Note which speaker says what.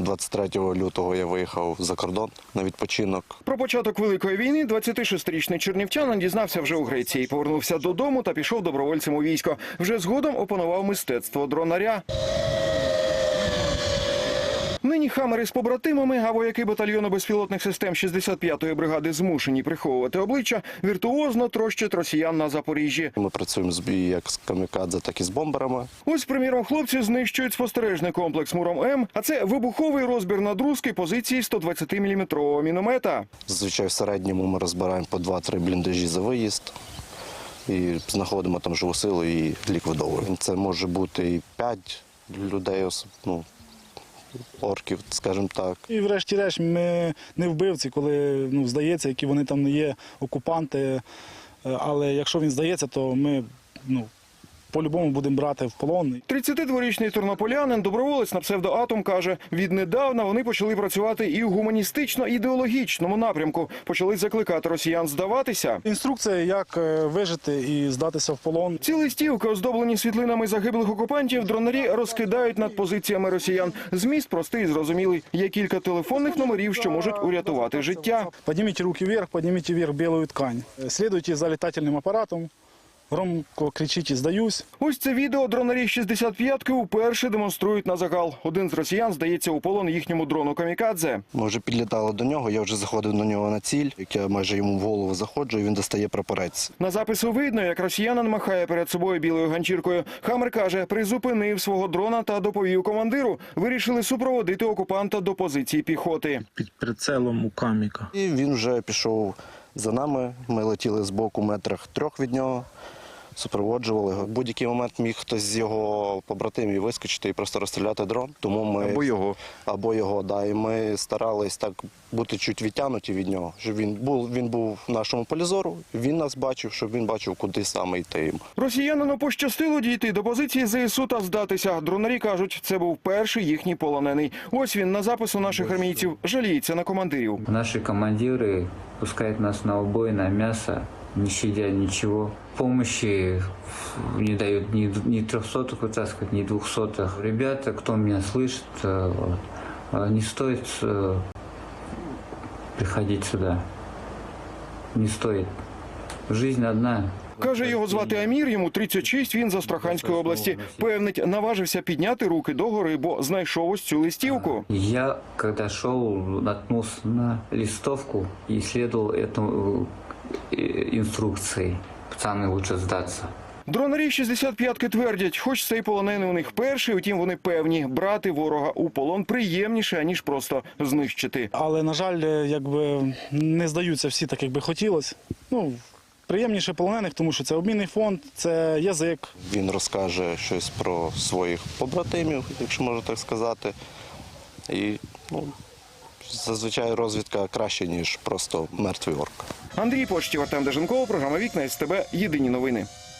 Speaker 1: 23 лютого я виїхав за кордон на відпочинок.
Speaker 2: Про початок Великої війни 26-річний чернівчанин дізнався вже у Греції. Повернувся додому та пішов добровольцем у військо. Вже згодом опанував мистецтво дронаря. Нині хамери з побратимами, а вояки батальйону безпілотних систем 65-ї бригади змушені приховувати обличчя, віртуозно трощать росіян на Запоріжжі.
Speaker 1: Ми працюємо як з камікадзе, так і з бомберами.
Speaker 2: Ось, приміром, хлопці знищують спостережний комплекс «Муром-М», а це вибуховий розбір надрузки позиції 120-мм міномета.
Speaker 1: Зазвичай в середньому ми розбираємо по 2-3 бліндажі за виїзд. І знаходимо там живу силу і ліквідовуємо. Це може бути і 5 людей, орків, скажімо так.
Speaker 3: І врешті-решт ми не вбивці, коли здається, які вони там не є окупанти. Але якщо він здається, то ми по-любому будемо брати в полон.
Speaker 2: 32-річний тернополянин, доброволець на псевдоатом, каже, віднедавна вони почали працювати і у гуманістично-ідеологічному напрямку. Почали закликати росіян здаватися.
Speaker 3: Інструкція, як вижити і здатися в полон.
Speaker 2: Ці листівки, оздоблені світлинами загиблих окупантів, дронарі розкидають над позиціями росіян. Зміст простий і зрозумілий. Є кілька телефонних номерів, що можуть урятувати життя.
Speaker 3: Підніміть руки вверх, підніміть вверх білу ткань. Слідуйте за літательним апаратом. Громко кричіть «здаюсь».
Speaker 2: Ось це відео дронарі 65-ки вперше демонструють на загал. Один з росіян здається у полон їхньому дрону камікадзе.
Speaker 1: Ми вже підлітали до нього, я вже заходив на нього на ціль, як я майже йому в голову заходжу, і він достає прапорець.
Speaker 2: На запису видно, як росіянин махає перед собою білою ганчіркою. Хамер каже, призупинив свого дрона та доповів командиру. Вирішили супроводити окупанта до позиції піхоти.
Speaker 4: Під прицелом у каміка.
Speaker 1: І він вже пішов за нами, ми летіли з боку метрах 3 від нього. Супроводжували його. В будь-який момент міг хтось з його побратимів вискочити і просто розстріляти дрон. Тому ми або його, да. І ми старались так бути чуть відтягнуті від нього, щоб він був в нашому полі зору, він нас бачив, щоб він бачив, куди саме йти.
Speaker 2: Росіянину пощастило дійти до позиції ЗСУ та здатися. Дронарі кажуть, це був перший їхній полонений. Ось він на запису наших армійців жаліється на командирів.
Speaker 5: Наші командири пускають нас на убой, на м'ясо, не щадя ничего. Помощи не дают ни 300-х вытаскивать, ни 200-х. Ребята, кто меня слышит, не стоит приходить сюда. Не стоит. Жизнь одна.
Speaker 2: Каже, його звати Амір, йому 36, він з Астраханської області. Певнить, наважився підняти руки догори, бо знайшов ось цю листівку.
Speaker 5: Я, когда шел, наткнулся на листовку и следовал этому инструкции. Пацаны, лучше сдаться.
Speaker 2: Дронарі 65-ки твердять, хоч цей полонений у них перший, утім вони певні, брати ворога у полон приємніше, ніж просто знищити.
Speaker 3: Але, на жаль, не здаються всі так, як би хотілося. Приємніше полонених, тому що це обмінний фонд, це язик.
Speaker 1: Він розкаже щось про своїх побратимів, якщо можна так сказати. І зазвичай розвідка краще, ніж просто мертвий орк.
Speaker 2: Андрій Почтів, Артем Деженков, програма «Вікна» СТБ. Єдині новини.